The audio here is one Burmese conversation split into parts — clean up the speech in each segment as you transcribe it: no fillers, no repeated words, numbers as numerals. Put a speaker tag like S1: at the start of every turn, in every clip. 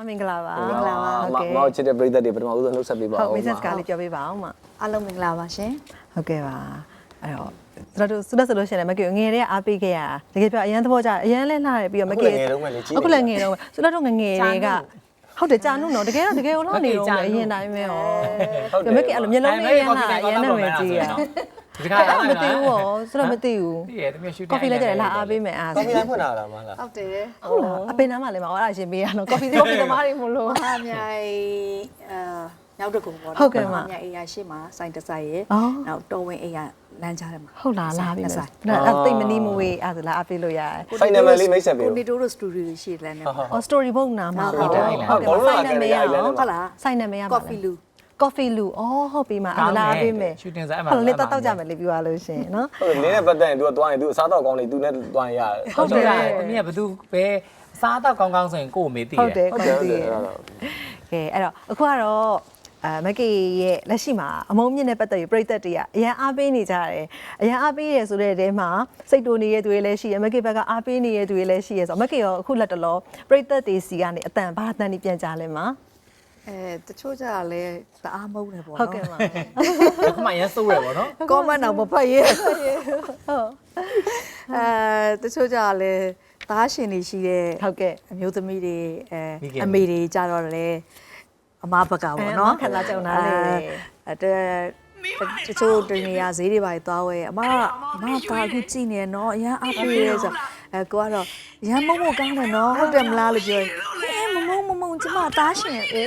S1: မင်္ဂလာပါ
S2: မင်္ဂလာပါ
S3: မောင်ချစ်တဲ့ပရိသတ်တွေပထမဦးဆုံးနှုတ်ဆက်ပေးပါ
S1: ဟု
S3: ဦး
S1: တ် message ကလေးပြောပေးပါအောင်မ
S2: အားလုံးမင်္ဂလာပါရှင်
S1: ဟုတ်ကဲ့ပါအဲ့တော့ကျွန်တော်တို့ဆုလက်ဆိုလို့ရှိရင်လည်းမကေငယ်တဲ့အားပေးခဲ့ရတကယ်ပြောအရန်သဘောကျအရန်လဲလှတယ်ပြီးတော့မကေအခုလည်းငယ်တော့ဆုလက်တို့ငငယ်တွေကဟုတ်တယ်ကြာနုနော်တကယ်ကိုလောက်နေတော့အရင်တိုင်းပဲဟောမကေအဲ့လိုမျက်လုံးလေးရမ်းလာအရန်နဲ့ဝင်ကြည့်ရဒီကမသိဘူးဟောဆုလက်မသိဘူး
S4: သိရတယ်တမန်ရှူတင်
S1: ကော်ဖီလည်းကြတယ်လာအားပေးမယ်အား
S3: ကော်ဖီလိုင်းဖွင့်လာတာမလား
S2: ဟုတ်တယ်
S1: ဟုတ်လားအပင်နားမှာလည်းမဟုတ်အဲ့ဒါရှင်ပေးရတော့ကော်ဖီသမားတွေမလို့
S2: ဟာမြိုင်နောက်တစ်ခုပေါ့
S1: ဟုတ်ကဲ့ပါ
S2: မြိုင်အေးရရှိမှာစိုင်းတဆိုင်ရဲ့နောက်တော်ဝင်အေးရလမ်းကြားထဲမှာ
S1: ဟုတ်လားလာပြီမယ်အဲ့သိမနီမဝေးအဲ့ဒါလာအားပေးလို့ရတယ်
S3: ဖိုင်နယ်လေးမိတ်ဆက်ပေး
S2: ကိုနေတိုးတို့စတူဒီယိုရှိလမ်းနဲ့
S1: အော် story book နာမှာဟုတ်တယ်ဆိုင်နာမည်ဟုတ်လားဆိုင်နာမည်ရပါ
S2: coffee lu
S1: coffee lu အော်ဟုတ်ပြီမှာအလားပေးမယ်
S4: ရှူတင်စားအမှ
S1: ဟုတ်လေတောက်ကြမယ်လေပြောရလို့ရှင်နော်
S3: ဟုတ်နင်းနဲ့ပတ်သက်ရင် तू သွားရင် तू အစားတော့ကောင်းနေ तू နဲ့သွားရင်ရတယ်
S4: ဟုတ်တယ်တမီးကဘသူပဲစားတော့ကောင်းကောင်းဆိုရင်ကို့ကိုမေးသိတယ်
S1: ဟုတ်တယ်
S3: ဟုတ်
S1: ကော
S3: တယ်
S1: င်း
S3: ဟုတ်
S1: တ
S3: တယ်
S1: ယ်ကဲအဲ့တော့အခုကတော့မကေရဲ့လက်ရှိမှာအမုံမြင့်နဲ့ပတ်သက်ပြီးပြည်သက်တွေကအရန်အားပေးနေကြတယ်အရန်အားပေးရဆိုတဲ့တဲမှာစိတ်တူနေတဲ့သူတွေလည်းရှိရမကေဘက်ကအားပေးနေတဲ့သူတွေလည်းရှိရဆိုတော့မကေရောအခုလက်တလောပြည်သက်တွေစီကနေအတန်ဘာအတန်ကြီးပြန်ကြလဲမှာ
S2: တချို့ကြလဲတအားမုန်းတယ်ပေါ့
S1: ဟုတ်ကဲ့ပါ
S4: အခုမှရမ်းစိုးရပေါ့နော်
S2: comment တော့မဖတ်ရဲ
S1: ဟုတ်
S2: တချို့ကြလဲသားရှင်တွေရှိတဲ့
S1: ဟုတ်ကဲ့
S2: အမျိုးသမီးတွေအမေတွေကြတော့လေအမဘကပေါ့နော်
S1: ခံစားကြုံတာလေ
S2: တချို့တနေရာဈေးတွေပါသွားဝဲအမဒါအခုကြည့်နေနော်အရန်အားပေးရဲဆိုကိုကတော့ရန်မုံမကောင်းတယ်နော်ဟုတ်တယ်မလားလို့ပြောရင်မမုံကျမတားရှင်အေး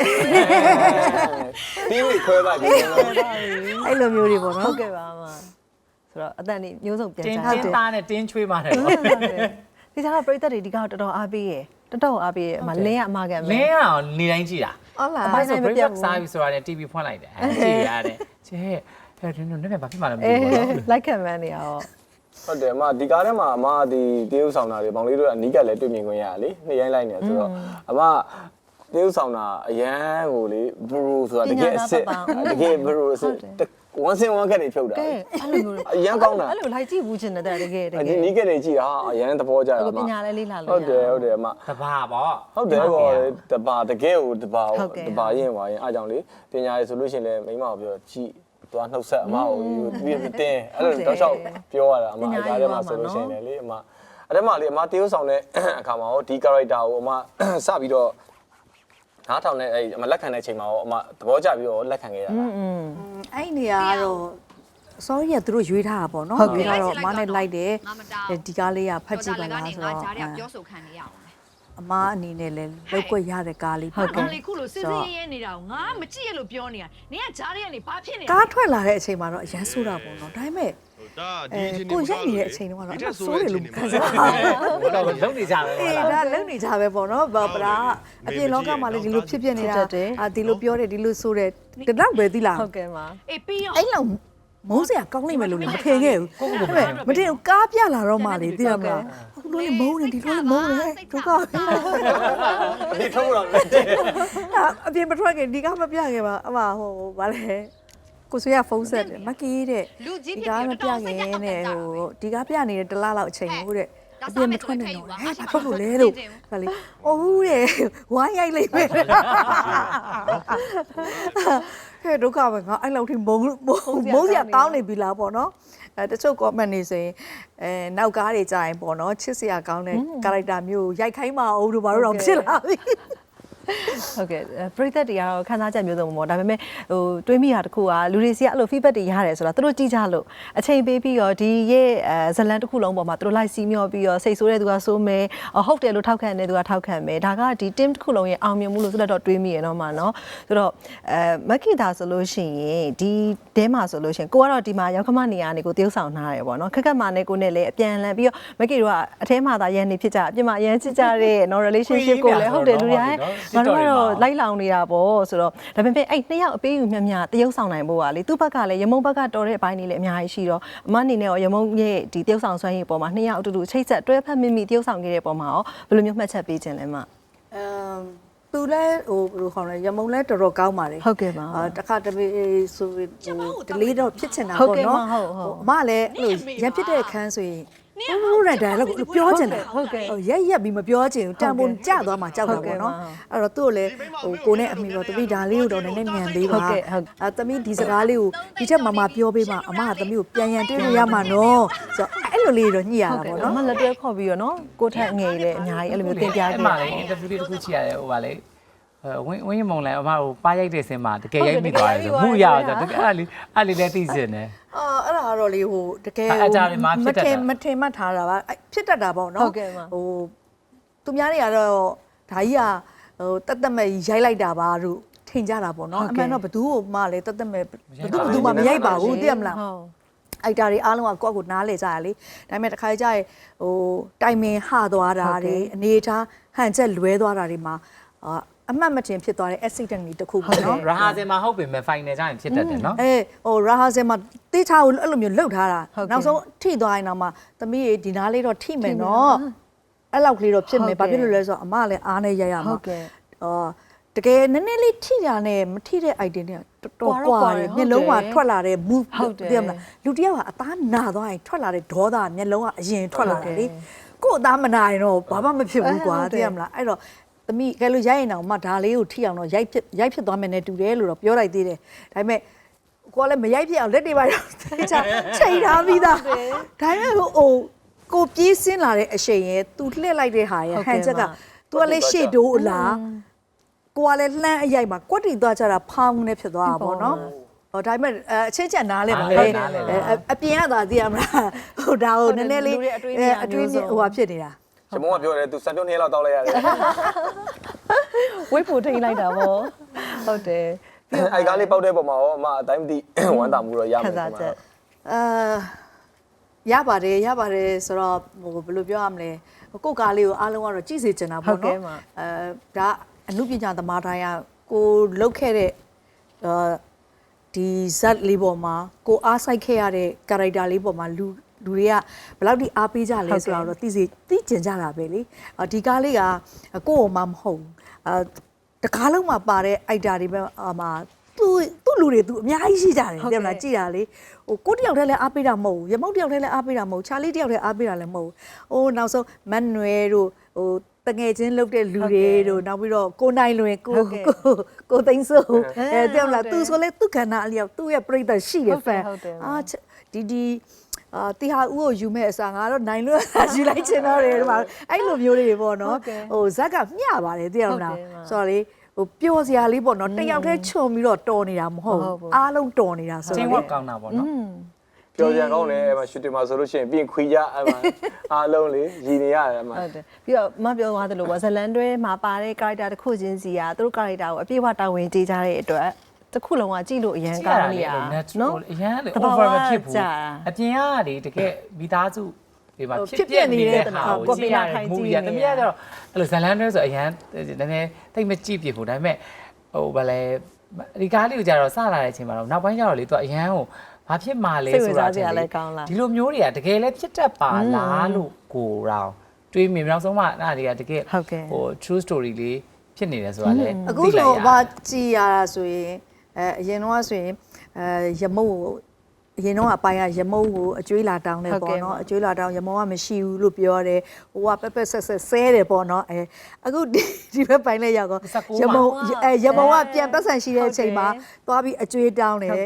S3: ပြီးခွဲပါဒီ
S2: အဲ့လိုမျိုးတွေပေါ့နော်
S1: ဟုတ်ကဲ့ပါမဆိုတော့အတန်နေမျိုးစုံပြန်
S4: တင်း
S1: ကြ
S4: တင်းသားနဲ့တင်းချွေးပါတယ်ပေါ့
S1: ဒီကျတော့ပြည်သက်တွေဒီကတော့တော်တော်အားပေးရတော်တော်အားပေးရအမလင်းရအမကန်
S4: လင်းအောင်နေတိုင်းကြည့်တာ
S2: ဟုတ်လား
S4: အပိုင်းဆို breakfast စားပြီဆိုတာနဲ့ TV ဖွင့်လိုက်တယ်ကြည့်ရတယ်ကျဲအဲ့ဒီတော့ဘာဖြစ်မှလဲမသိဘူးပေါ့နော်
S1: like comment နေရတော့
S3: ဟုတ်တယ်အမဒီကားထဲမှာအမဒီတေးဥဆောင်တာတွေဘောင်လေးတို့ကအနီးကလည်းတွေ့မြင်ခွင့်ရလေနှစ်ရိုင်းလိုက်နေဆိုတော့အမတေးဥဆောင်တာအရန်ကိုလေဘရူဆိုတာတကယ်အစ်စ်တကယ်ဘရူဆိုဝမ်းစင်ဝမ်းကက်တွေဖြုတ်တာ
S1: ကဲအဲ့လိုမျိုး
S3: အရန်ကောင်းတာ
S1: အဲ့လို like ကြည့်ဘူးချင်တယ်တကယ်
S3: ဒီနီးကက်တွေကြည့်တာအရန်သဘောကျတာအမ
S1: ပညာလည်းလေးလာလို့
S3: ဟုတ်တယ်ဟုတ်တယ်အမ
S4: တဘာပေါ့
S3: ဟုတ်တယ်ပေါ့တဘာတကယ်ကိုတဘာရင်ပါရင်အားကြောင့်လေပညာရေးဆိုလို့ရှိရင်လည်းမိမကိုပြောကြည့်သွားနှုတ်ဆက်အမကိုပြီးတင်းအဲ့လိုတောက်လျှောက်ပြောရတာအမအဲ့ဒါထဲမှာဆိုလို့ရှိရင်လေအမအဲ့ဒါမှလေအမတေးဥဆောင်တဲ့အခါမှာရောဒီ character ကိုအမစပြီးတော့နားထောင်တဲ့အဲ့အမလက်ခံတဲ့အချိန်မှာရောအမသဘောကျပြီးတော့လက်ခံခဲ့ရတာ
S2: အဲ့နေရာကတော့ sorry ကသူတို့ရွေးထားတာပေါ့နော်ရွေးထားတော့မနဲ့လိုက်တယ်ဒီကားလေးကဖတ်ကြည့်ပါလားဆိုတော့
S5: ပြောဆိုခံနေရအောင်
S2: အမအနေနဲ့လည်းလောက်ွက်ရတဲ့ကားလေး
S5: ဟုတ်ကဲ့လေခုလိုစစ်စစ်ရဲရဲနေတာကိုငါမကြည့်ရလို့ပြောနေတာနင်ကဂျားတွေကနေဘာဖြစ်နေလဲ
S2: ကားထွက်လာတဲ့အချိန်မှာတော့အရန်ဆိုးတာပေါ့နော်ဒါပေမဲ့
S6: ဒီအချိန်
S2: ကိုရိုက်နေတဲ့အချိန်တုန်းကတော့အဆိုးတယ်လို့ခံစားရတယ်
S4: တော့လုံနေကြပဲ
S2: အေးဒါလုံနေကြပဲပေါ့နော်ဘာပရာအပြင်လောကမှာလည်းဒီလိုဖြစ်ဖြစ်နေတာဒီလိုပြောတယ်ဒီလိုဆိုတယ်တတော့ပဲသီလား
S1: ဟုတ်ကဲ့ပါ
S5: အေးပြီးရော
S2: အဲ့လောက်မုန်းစရာကောင်းလိမ့်မယ်လို့လည်းမထင်ခဲ့ဘူးဒါပေမဲ့မတင်ကားပြလာတော့မှလေသိရမလားအခုလိုလေမုန်းနေဒီလိုလေမုန်းနေဒုက္ခ
S3: ဒီထုံးတော့လက်တယ်
S2: အပြင်မထွက်ခင်ဒီကားမပြခဲ့ပါအမဟိုဗာလဲကိုဆွေးရဖုန်းဆက်တယ်မကီးတဲ့ဒီကားမပြခင်နဲ့ဟိုဒီကားပြနေတဲ့တလားလောက်အချိန်ကိုတဲ့အပြင်မထွက်နိုင်တော့ဟဲ့ဘာဖြစ်လို့လဲလို့ဗာလေအိုးတဲ့ဝိုင်းရိုက်လိုက်ပဲဟဲ့ဒုက္ခပဲငါအဲ့လောက်ထိမုန်းစရာကောင်းနေပြီလားပေါ့နော်တချို့ comment နေဆိုရင်နောက်ကားတွေကြာရင်ပေါ့နော်ချစ်စရာကောင်းတဲ့ character မျိုးရိုက်ခိုင်းမအောင်တို့ဘာလို့တော့ဖြစ်လာပြီ
S1: ဟုတ်ကဲ့ပြည်သက်တွေကတော့ခန်းစားချက်မျိုးစုံပေါ့ဒါပေမဲ့ဟိုတွေးမိတာတခုကလူတွေစီကအဲ့လို feedback တွေရတယ်ဆိုတာသူတို့ကြည့်ကြလို့အချိန်ပေးပြီးတော့ဒီရဲ့ဇလန်တစ်ခုလုံးပေါ်မှာသူတို့လိုက်စီးမျောပြီးတော့စိတ်ဆိုးတဲ့သူကဆိုးမယ်ဟုတ်တယ်လို့ထောက်ခံတဲ့သူကထောက်ခံမယ်ဒါကဒီ team တစ်ခုလုံးရဲ့အောင်မြင်မှုလို့ဆိုတော့တွေးမိရတော့မှာเนาะဆိုတော့မက်ဂီတာဆိုလို့ရှိရင်ဒီတဲမှာဆိုလို့ရှိရင်ကိုကတော့ဒီမှာရောက်ခမနေရာနေကိုတရုပ်ဆောင်ထားရတယ်ပေါ့เนาะခက်ခက်မာနဲ့ကိုနဲ့လည်းအပြန်လန်ပြီးတော့မက်ဂီတို့ကအထဲမှာသာရန်နေဖြစ်ကြအပြင်မှာရန်ချစ်ကြတဲ့เนาะ relationship ကိုလည်းဟုတ်တယ်လူတွေကငါတို့ကတော့လိုက်လောင်နေတာပေါ့ဆိုတော့ဒါပေမဲ့အဲ့နှစ်ယောက်အပေးယူမြမြတရုပ်ဆောင်နိုင်ဖို့ကလေသူ့ဘက်ကလည်းရမုံဘက်ကတော်တဲ့အပိုင်းတွေလည်းအများကြီးရှိတော့အမအနေနဲ့ရောရမုံရဲ့ဒီတရုပ်ဆောင်ဆွမ်းရည်ပေါ်မှာနှစ်ယောက်အတူတူချိတ်ဆက်တွဲဖက်မိမိတရုပ်ဆောင်ခဲ့တဲ့ပုံမှာရောဘယ်လိုမျိုးမှတ်ချက်ပေးခြင်းလဲမ
S2: သူလည်းဟိုဘယ်လိုခေါ်လဲရမုံလည်းတော်တော်ကောင်းပါတယ်
S1: ဟုတ်ကဲ့ပါ
S2: တခါတပေဆိုဟိုဒလေးတော့ဖြစ်ချင်တာပေါ့နော်အမလည်းအဲ့လိုရဖြစ်တဲ့အခန်းဆိုရင်ဟုတ်တယ်ဒါလည်းပြောချင်တယ်ရက်ပြီးမပြောချင်ဘူးတန်ပုံကြသွားမှကြောက်တာပေါ့နော်အဲ့တော့သူ့ကိုလည်းကိုနဲ့အမိတော့တမိဒါလေးကိုတော့နည်းနည်းမြန်ပေးပါတမိဒီစကားလေးကိုဒီချက်မပြောပေးပါအမကတမိကိုပြန်ရန်တွေးလို့ရမှာနော်ဆိုတော့အဲ့လိုလေးတော့ညှိရတာပေါ့နော်
S1: အမလက်တွဲခေါ်ပြီးတော့နော်ကိုထက်ငယ်လေအများကြီးအဲ့လိုမျိုးတင်ပြခဲ့
S4: အဲ့မှာလေ interview လေးတစ်ခုချိရတယ်ဟိုပါလေဝင်းမုံလဲအမဟိုပါရိုက်တဲ့ဆင်းမှာတကယ်ရိုက်မိသွားတယ်ဆိုမှုရအောင်ဆိုတကယ်အဲ့လေးလည်းသိစင်တယ်
S2: အဲ့ဒါကတော့လေဟိုတကယ်မထင်မှတ်ထားတာပါဖြစ်တတ်တာပေါ့နော်ဟိုသူများတွေကတော့ဒါကြီးကဟိုတက်တက်မဲ့ရိုက်လိုက်တာပါလို့ထင်ကြတာပေါ့နော်အမှန်တော့ဘသူ့ကိုမှလည်းတက်တက်မဲ့ဘသူမှမရိုက်ပါဘူးသိရမလားအိုက်တာတွေအားလုံးကကိုယ့်ကိုနားလေကြရလေဒါပေမဲ့တစ်ခါကျရင်ဟိုတိုင်မင်ဟသွားတာတွေအနေထားဟန်ချက်လွဲသွားတာတွေမှာအမှတ်မတင်ဖြစ်သွားတဲ့ accident တွေတခုပေါ့နော်
S4: ရာဟာစင်မှာဟုတ်ပြီမဲ့ final ကျရင်ဖြစ်တတ်တယ်နော်
S2: ဟိုရာဟာစင်မှာတေးချာကိုအဲ့လိုမျိုးလှုပ်ထားတာနောက်ဆုံးထိသွားရင်တော့မှသမီးရေဒီနားလေးတော့ထိမယ်နော်အဲ့လောက်ကလေးတော့ဖြစ်မယ်ဘာဖြစ်လို့လဲဆိုတော့အမလည်းအားနဲ့ရိုက်ရမှာတကယ်နည်းနည်းလေးထိတာနဲ့မထိတဲ့ item တွေကတော်တော်ကွာတယ်မျက်လုံးကထွက်လာတဲ့ move သိရမလားလူတယောက်ကအသားနာသွားရင်ထွက်လာတဲ့ဒေါသမျက်လုံးကအရင်ထွက်လာတယ်လေကို့အသားမနာရင်တော့ဘာမှမဖြစ်ဘူးကွာသိရမလားအဲ့တော့သမီးကဲလို့ရိုက်ရင်တော့မှဒါလေးကိုထိအောင်တော့ရိုက်ဖြစ်သွားမယ်နဲ့တူတယ်လို့တော့ပြောလိုက်သေးတယ်ဒါပေမဲ့ကိုကလည်းမရိုက်ဖြစ်အောင်လက်တွေပါချိန်ထားပြီးသားဒါပေမဲ့ဟိုကိုပြေးစင်းလာတဲ့အရှိန်ရဲ့သူလှည့်လိုက်တဲ့ဟာရဲ့ဟန်ချက်ကသူကလည်းရှေ့တိုးအလားကိုကလည်းလှမ်းအရိုက်မှာကွက်တီသွားကြတာဖောင်းနေဖြစ်သွားတာပေါ့နော်ဟိုဒါပေမဲ့အချင်းချက်နားလဲပါလေအပြင်ကသာသိရမလားဟိုဒါဟိုနည်းနည်းလေးအတွင်းဟိုဟာဖြစ်နေတာ
S3: ရှမုံကပြောတယ်သူစံပြုံး2လောက်တောက်လိုက်ရတယ်
S1: ဝိတ်ဖို့ထိန်လိုက်တာပေါ့ဟုတ်တယ်
S3: အိုက်ကားလေးပောက်တဲ့ပုံမှာရောအမအတိုင်းမသိဝမ်းသာမှုတော့ရမှာပါ
S2: ရပါတယ်ဆိုတော့ဟိုဘယ်လိုပြောရမလဲကိုယ့်ကားလေးကိုအားလုံးကတော့ကြည့်စေချင်တာပေါ့နော်ဒါအမှုပညာသမားတိုင်းကကိုလုတ်ခဲ့တဲ့ဒီဇက်လေးပေါ်မှာကိုအားစိုက်ခဲ့ရတဲ့ character လေးပေါ်မှာလူတွေကဘယ်လောက်ထိအားပေးကြလဲဆိုတော့သိကျင်ကြတာပဲလေဒီကားလေးကကိုယ့်အမမဟုတ်တကားလုံးမှာပါတဲ့ item တွေပဲမှာသူ့လူတွေသူအများကြီးရှိကြတယ်တဲ့မလားကြည်တာလေဟိုကိုတယောက်တည်းလည်းအားပေးတာမဟုတ်ဘူးရမုတ်တယောက်တည်းလည်းအားပေးတာမဟုတ်ချာလီတယောက်တည်းအားပေးတာလည်းမဟုတ်ဘူးဟိုနောက်ဆုံးမတ်နွယ်တို့ဟိုတငယ်ချင်းလုပ်တဲ့လူတွေတို့နောက်ပြီးတော့ကိုနိုင်လွင်ကိုသိန်းစိုးတဲ့မလားသူဆိုလေသူခန္ဓာအလျောက်သူ့ရဲ့ပြိတ္တရှိတယ်ဖန်ဒီတီဟာဦးကိုယူမဲ့အစားငါတော့နိုင်လွတ်ယူလိုက်ချင်တော့တယ်ဒီမှာအဲ့လိုမျိုးတွေပေါ့နော်ဟိုဇက်ကမျှပါတယ်သိရမလားဆိုတော့လေဟိုပျော်စရာလေးပေါ့နော်တယောက်တည်းခြုံပြီးတော့တော်နေတာမဟုတ်ဘူးအားလုံးတော်နေတာဆိုတော့
S4: ချင်းဝတ်ကောင်းတာပေါ့နော်
S3: ပျော်စရာကောင်းတယ်အဲ့မှာရှူတင်မှာဆိုလို့ရှိရင်ပြင်ခွေကြအဲ့မှာအားလုံးလေရည်နေရတယ်အဲ့မှာ
S1: ဟုတ်တယ်ပြီးတော့မပြောသွားသလိုပေါ့ဇလန်တွဲမှာပါတဲ့ character တစ်ခုချင်းစီကသူတို့ character ကိုအပြည့်အဝတာဝန်ကျေးကြတဲ့အတွက်တစ်ခုလုံးကကြည့်လို့အရန်ကောင်းနေတာ
S4: နော်အရန်လေ over မဖြစ်ဘူးအပြင်ကလေတကယ်မိသားစုဒီမှာဖြစ်ပြနေတဲ့ဟာကိုကြည့်ရတယ်မူရတမီးကတော့အဲ့လိုဇလန်တွဲဆိုအရန်နည်းနည်းတိတ်မကြည့်ပြဘူးဒါပေမဲ့ဟိုဗလဲဒီကားလေးကိုကြတော့စလာတဲ့အချိန်မှာတော့နောက်ပိုင်းကျတော့လေသူကအရန်ကိုဘာဖြစ်မှလဲဆိုတာဒီလိုမျိုးတွေကတကယ်လဲဖြစ်တတ်ပါလားလို့ကိုတော့တွေးမြင်နောက်ဆုံးမှအဲ့ဒါတွေကတကယ်ဟို true story လေးဖြစ်နေတယ်ဆိုတာလေ
S2: အခုဆိုဘာကြည်ရတာဆိုရင်အရင်တော့ဆိုရင်ရမုတ်အရင်တော့အပိုင်းကရမုံကိုအကျွေးလာတောင်းတယ်ပေါ့နော်အကျွေးလာတောင်းရမုံကမရှိဘူးလို့ပြောတယ်ဟိုကပက်ပက်ဆက်ဆက်ဆဲတယ်ပေါ့နော်အခုဒီဘက်ပိုင်းလေးရောက်တော့ရမုံကပြန်ပတ်ဆံရှိတဲ့အချိန်မှာသွားပြီးအကျွေးတောင်းတယ်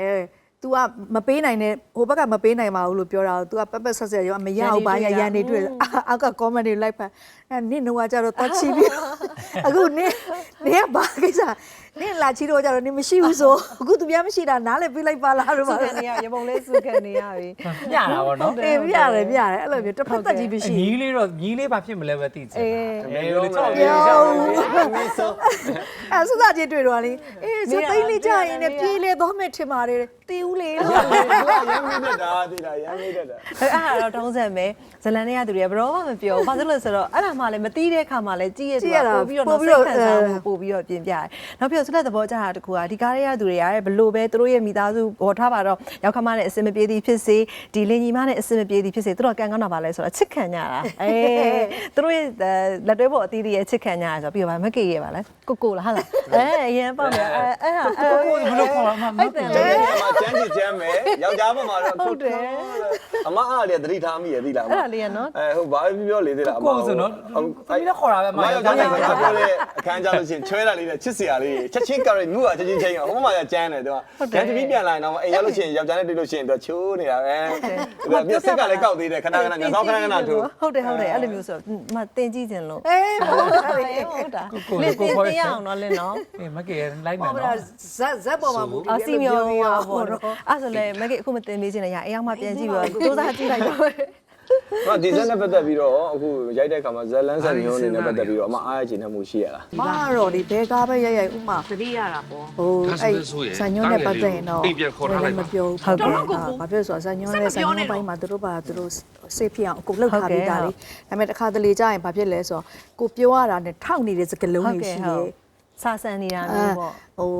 S2: तू ကမပေးနိုင်တဲ့ဟိုဘက်ကမပေးနိုင်ပါဘူးလို့ပြောတာ तू ကပက်ပက်ဆက်ဆက်ရောမရအောင်ဘာရန်နေတွေ့အောက်က comment တွေလိုက်ဖတ်နင့်တော့ကြတော့သွားချီပြီးအခုနင့်ကဘာကိစ္စနင့်လာချီတော့ကြတော့နင်မရှိဘူးဆိုအခုသူများမရှိတာနားလည်းပြေးလိုက်ပါလားလို့ပါ
S1: စုခံနေရရပုံလေးစုခံနေရပြီ
S4: ညတာပေါ့နော်
S2: အေးပြရတယ်အဲ့လိုမျိုးတစ်ဖက်သက်ကြီးမရှိ
S4: ညီလေးတော့ညီလေးဘာဖြစ်မလဲပဲသိချင်
S3: အေးလို့ချောက်ပြေးရောက်
S2: အဲ့စစချင်းတွေ့တော့လေအေးစသိန်းလေးကြရင်လည်းပြေးလေသွားမယ်ထင်ပါတယ်တီးဦးလေ
S3: ရမ်းမိတတ်တာသိလားရမ်းမိတတ်တာ
S1: အဲ့ဒါတော့တောင်းဆက်မယ်ဇလန်နဲ့ရသူတွေကဘရောမှမပြောဘာလို့လဲဆိုတော့အဲ့ဒါမှလည်းမတီးတဲ့ခါမှလည်းကြည့်ရဆိုတာပြီးတော့စိတ်ခံစားမှုပို့ပြီးတော့ပြင်ပြတယ်နောက်ပြီးတော့ဆက်လက်သဘောကျတာတခုကဒီကားရဲရသူတွေရတယ်ဘလို့ပဲသူတို့ရဲ့မိသားစုပေါ်ထားပါတော့ရောက်ခမနဲ့အစင်မပြေသည်ဖြစ်စေဒီလင်ညီမနဲ့အစင်မပြေသည်ဖြစ်စေသူတို့ကန်ကောင်းတာပါလဲဆိုတော့ချစ်ခံကြတာသူတို့ရဲ့လက်တွဲပေါ်အသီးတွေရဲ့ချစ်ခံကြရဆိုပြီးတော့မကေရပါလဲကိုလားဟာလားအရင်ပေါ့မယ်အဲ့ဟာ
S4: ကိုဘလို့ခေါ်မှာမဟုတ်တယ်
S3: ကျန်းကျန်းမယ်ယောက်ျားဘက်မှာတော့ဟုတ်တယ်အမအားလေသတိထားမိရသိလား
S1: အဲ့ဒါလေးရနော်
S3: ဟုတ်ဘာပြောလေသေးလားအမ
S4: ကိုဆိုနော်သမီးလည်းခေါ်တာပဲမ
S3: ယောက်ျားနဲ့ပြောတဲ့အခန်းကြလို့ရှိရင်ချွဲတာလေးနဲ့ချစ်စရာလေးချက်ချင်းကရနူးကချက်ချင်းချင်းဟိုမှာကျန်းတယ်သူကကျန်းတပြီးပြန်လာရင်တော့အိမ်ရောက်လို့ရှိရင်ယောက်ျားနဲ့တွေ့လို့ရှိရင်သူချိုးနေတာပဲပြစ်စစ်ကလည်းကောက်သေးတယ်ခဏခဏငါတော့ခဏခဏထိုး
S1: ဟုတ်တယ်အဲ့လိုမျိုးဆိုမတင်ကြည့်ခြင်းလို့ဟုတ်တာ
S4: ကို
S1: တင်ရအောင်နော်လင်းနော်
S4: မကေလိုက်မယ်နော်
S2: ဇက်ပေါ်မှာမူတည်
S1: အစီမျိုးပါပေါ့အဲ့ဆိုလေမကေအခုမတင်မေးခြင်းနဲ့ရအိမ်အောင်မှပြန်ကြည့်ပြီးတော့စူးစမ်းကြည့်လိုက်တော့
S3: ဟာဒီဇက်နဲ့ပတ်သက်ပြီးတော့အခုရိုက်တဲ့အခါမှာဇက်လန်းဆက်မျိုးအနေနဲ့ပတ်သက်ပြီးတော့အမအားရချင်တဲ့မှုရှိရလား
S2: မတော့ဒီဘဲကားပဲရိုက်ဥမာ
S5: သတိရတာပေါ့
S2: ဟိုအဲ့ဆန်ညွန်းနဲ့ပတ်သက်ရင်တော့လည်းမပြောဘူးဟုတ်ကဲ့ဘာဖြစ်ဆိုဆန်ညွန်းနဲ့ဆန်ညွန်းပိုင်းမှာသူတို့စေးဖြစ်အောင်အကုန်လှုပ်ထားပြီးသားလေဒါပေမဲ့တစ်ခါတလေကြာရင်ဘာဖြစ်လဲဆိုတော့ကိုပြောရတာနဲ့ထောက်နေတဲ့စကလုံးတွေရှိတယ်
S1: စာဆန်နေတာမျိုးပေါ့
S2: ဟို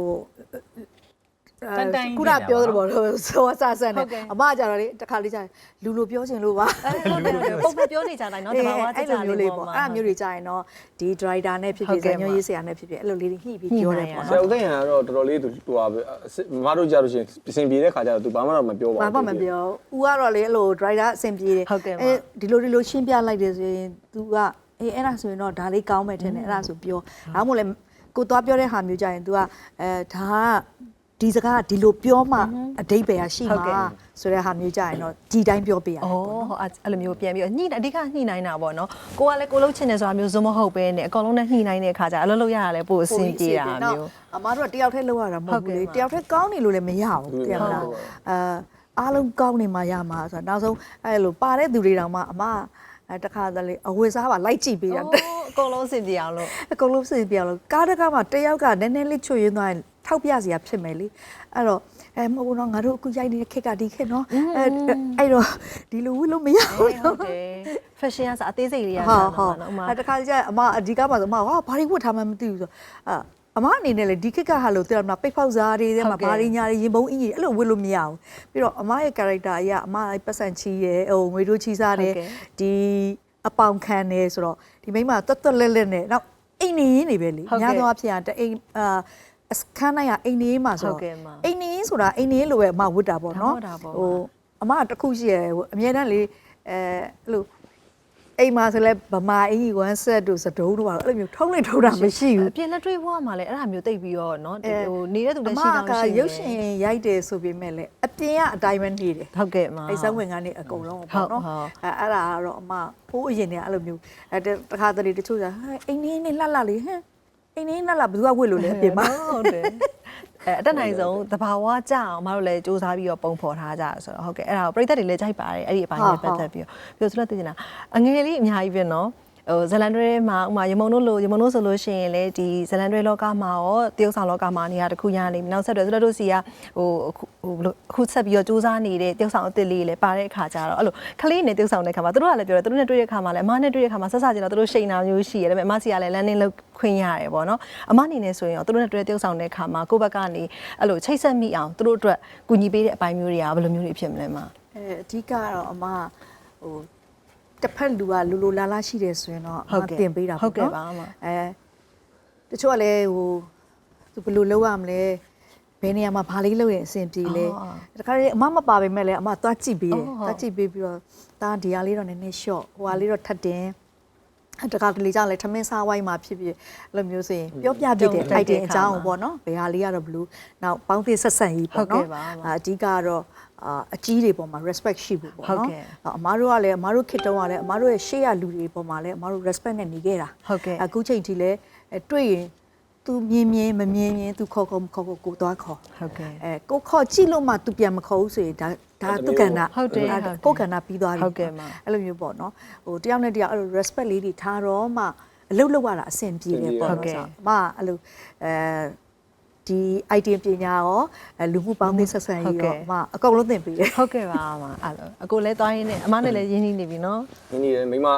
S2: ခုနပြောသလိုပေါ့ဆိုဆာဆန်နဲ့အမကြတော့လေတစ်ခါလေးကြာရင်လူလိုပြောချင်လို့ပါ
S1: ပုံမှန်ပြောနေကြတိုင်းเนาะတဘာဝကြကြလေးပေါ့
S2: အဲ့မျိုးတွေကြာရင်တော့ဒီ driver နဲ့ဖြစ်ဖြစ်ဇာညွှန်းရေးဆရာနဲ့ဖြစ်ဖြစ်အဲ့လိုလေးညှိပြီးပြောတယ်ပေါ့
S3: ဆရာဦးသိန်းကတော့တော်တော်လေးသူဟိုမတို့ကြလို့ရှိရင်အစဉ်ပြေတဲ့ခါကျတော့သူဘာမှတော့မပြောပါဘူး
S2: ဘာမှမပြောဦးကတော့လေအဲ့လို driver အစဉ်ပြေတယ်ဒီလိုရှင်းပြလိုက်တယ်ဆိုရင် तू ကအဲ့ဒါဆိုရင်တော့ဒါလေးကောင်းမယ်ထင်တယ်အဲ့ဒါဆိုပြောဒါမှမဟုတ်လေကိုသွားပြောတဲ့ဟာမျိုးကြာရင် तू ကဒါကဒီစကားကဒီလိုပြောမှအတိတ်ပဲရှိမှာဆိုတဲ့ဟာမျိုးကြရင်တော့ဒီတိုင်းပြောပြရတယ်
S1: ။ဟုတ်အဲ့လိုမျိုးပြန်ပြီးညှိအဓိကညှိနိုင်တာပေါ့နော်။ကိုကလည်းကိုလှုပ်ချင်တယ်ဆိုတာမျိုးဇွမဟုတ်ပဲနဲ့အကောင်လုံးနဲ့ညှိနိုင်တဲ့အခါကျအလုပ်လုပ်ရတာလည်းပိုအဆင်ပြေတာမျိုး
S2: ။အမားတို့ကတယောက်တည်းလုပ်ရတာမဟုတ်ဘူးလေ။တယောက်တည်းကောင်းနေလို့လည်းမရဘူး။ပြန်လာအားလုံးကောင်းနေမှရမှာဆိုတော့နောက်ဆုံးအဲ့လိုပါတဲ့သူတွေတောင်မှအမတခါတလေအဝေစားပါလိုက်ကြည့်ပေးတာ
S1: အကုန်လုံးအဆင်ပြေအောင်လို့
S2: အကုန်လုံးအဆင်ပြေအောင်လို့ကားတကားမှာတယောက်ကနည်းနည်းလေးချွတ်ရင်းသွားရင်ထောက်ပြစရာဖြစ်မယ်လေအဲ့တော့မဟုတ်ဘူးနော်ငါတို့အခုရိုက်နေတဲ့ခက်ကဒီခက်နော်အဲ့တော့ဒီလိုဝလို့မရဘူး
S1: ဟုတ်တယ် fashion ကအသေးစိတ်လေးရတာနော်
S2: တခါကျအမအဒီကားမှာဆိုအမဟာဘာတွေဝတ်ထားမှမသိဘူးဆိုအမအနေနဲ့လေဒီခက်ကဟာလို့တဲ့မှာပိတ်ဖောက်စားတွေထဲမှာဘာတွေညာတွေရင်ပုံအင်းကြီးအဲ့လိုဝတ်လို့မရဘူးပြီးတော့အမရဲ့ character အရာအမပတ်စံချီရယ်ဟိုငွေတို့ချီစားတယ်ဒီအပေါင်ခံနေဆိုတော့ဒီမိန်းမတွတ်တွတ်လက်လက်နဲ့နောက်အိမ်နေရင်းနေပဲလေညာတော့အဖြစ်တအိမ်ခန်းနိုင်ကအိမ်နေမှာဆိုတော့အိမ်နေဆိုတာအိမ်နေလိုပဲအမဝတ်တာပေါ့နော်ဟိုအမတခုရှိရဟိုအမြဲတမ်းလေအဲ့လိုအိမ်မှာဆိုလဲဗမာအင်ကြီး1 set တို့စတုံးတို့အဲ့လိုမျိုးထုံးလိုက်ထုံးတာမရှိဘူး
S1: အပြင်လက်တွေ့ဘွားမှာလည်းအဲ့ဒါမျိုးတိတ်ပြီးတော့เนาะဟိုနေတဲ့သူလည်းရှိတော့
S2: ရှိတယ်ရုပ်ရှင်ရိုက်တယ်ဆိုပေမဲ့လည်းအပြင်ကအတိုင်းပဲနေတယ်
S1: ဟုတ်ကဲ့အမ
S2: အဲ့စံဝင်ကနေအကုန်လုံးပေါ့နော်အဲ့ဒါကတော့အမဖိုးအရင်ကအဲ့လိုမျိုးတခါတလေတချို့ကအိမ်နေလှလှလေးဟမ်အိမ်နေလှလှဘယ်သူကဝတ်လို့လဲအပြင်မှာ
S1: ဟုတ်တယ်အတက်နိုင်ဆုံးတဘာဝကြအောင်မတို့လည်းစူးစမ်းပြီးတော့ပုံဖော်ထားကြဆိုတော့ဟုတ်ကဲ့အဲ့ဒါကိုပြည်သက်တွေလည်းကြိုက်ပါတယ်အဲ့ဒီအပိုင်းနဲ့ပတ်သက်ပြီးတော့ဆိုတော့သိချင်တာအငယ်လေးအများကြီးပဲနော်ဟိုဇလန်တွဲမှာဥမာရမုံတို့ဆိုလို့ရှိရင်လေဒီဇလန်တွဲလောကမှာရောတရုတ်ဆောင်လောကမှာနေရာတစ်ခုရနေပြီနောက်ဆက်တွဲဆိုတော့တို့စီကဟိုအခုဆက်ပြီးတော့စူးစမ်းနေတဲ့တရုတ်ဆောင်အစ်စ်လေးလည်းပါတဲ့အခါကျတော့အဲ့လိုခလေးနဲ့တရုတ်ဆောင်တဲ့ခါမှာတို့ကလည်းပြောတယ်တို့နဲ့တွေ့တဲ့ခါမှာလည်းအမနဲ့တွေ့တဲ့ခါမှာဆက်စကျင်တော့တို့ရှိန်နာမျိုးရှိရတယ်ဒါပေမဲ့အမစီကလည်းလမ်းနေလောက်ခွင့်ရတယ်ပေါ့နော်အမအနေနဲ့ဆိုရင်တို့နဲ့တွေ့တဲ့တရုတ်ဆောင်တဲ့ခါမှာကိုယ့်ဘက်ကနေအဲ့လိုချိတ်ဆက်မိအောင်တို့အတွက်ကူညီပေးတဲ့အပိုင်းမျိုးတွေကဘယ်လိုမျိုးတွေဖြစ်မလဲမ
S2: အဓိကတော့အမဟိုတစ်ဖက်လူကလူလိုလာလာရှိတယ်ဆိုရင်တော့အမတင်ပေးတာပေါ့နော်
S1: ဟုတ်ကဲ့ပါအမ
S2: တချို့ကလည်းဟိုသူဘယ်လိုလုပ်ရမလဲဘယ်နေရာမှာဘာလေးလုပ်ရင်အဆင်ပြေလဲတခါလေအမမပါပေမဲ့လည်းအမသွားကြည့်ပေးတယ်သွားကြည့်ပေးပြီးတော့ဒါဒီဟာလေးတော့နည်းနည်း short ဟိုဟာလေးတော့ထပ်တင်တခါတလေကြောင့်လည်းထမင်းစားဝိုင်းမှာဖြစ်ဖြစ်အဲ့လိုမျိုးဆိုရင်ပြောပြပြတဲ့ item အကြောင်းပေါ့နော်ဘယ်ဟာလေးကတော့ဘလို့နောက်ပေါင်းသစ်ဆက်ဆံရေးပေါ့နော်အဓိကတော့အကြီးတွေပေါ်မှာ respect ရှိဖို့ပေါ့နော်အမားတို့ကလည်းအမားတို့ခေတ္တကလည်းအမားတို့ရဲ့ရှေ့ရလူတွေပေါ်မှာလည်းအမားတို့ respect နဲ့နေခဲ့တာအခုချိန်ထိလည်းတွေ့ရင်သူမြင်မမြင်သူခေါ်ကိုသွားခေါ်
S1: ဟုတ်ကဲ့
S2: ကိုခေါ်ကြည့်လို့မှသူပြန်မခေါ်ဘူးဆိုရင်ဒါသူကဏ္ဍ
S1: ဟုတ်တယ်
S2: ကိုကဏ္ဍပြီးသွားပြီ
S1: ဟုတ်ကဲ့မ
S2: အဲ့လိုမျိုးပေါ့နော်ဟိုတယောက်နဲ့တယောက်အဲ့လို respect လေးတွေထားတော့မှအလုပ်လုပ်ရတာအဆင်ပြေတယ်ပေါ့နော်ဆိုတော့မအဲ့လိုဒီ item ပညာရောလူမှုပေါင်းသင်းဆက်ဆံရေးရောအမအကုန်လုံးသင်ပေးတယ်
S1: ဟုတ်ကဲ့ပါအမအဲ့လိုအကိုလည်းသွားရင်းနဲ့အမနဲ့လည်းရင်းနှီးနေပြီနော်
S3: ရင်းနှီးတယ်မိမ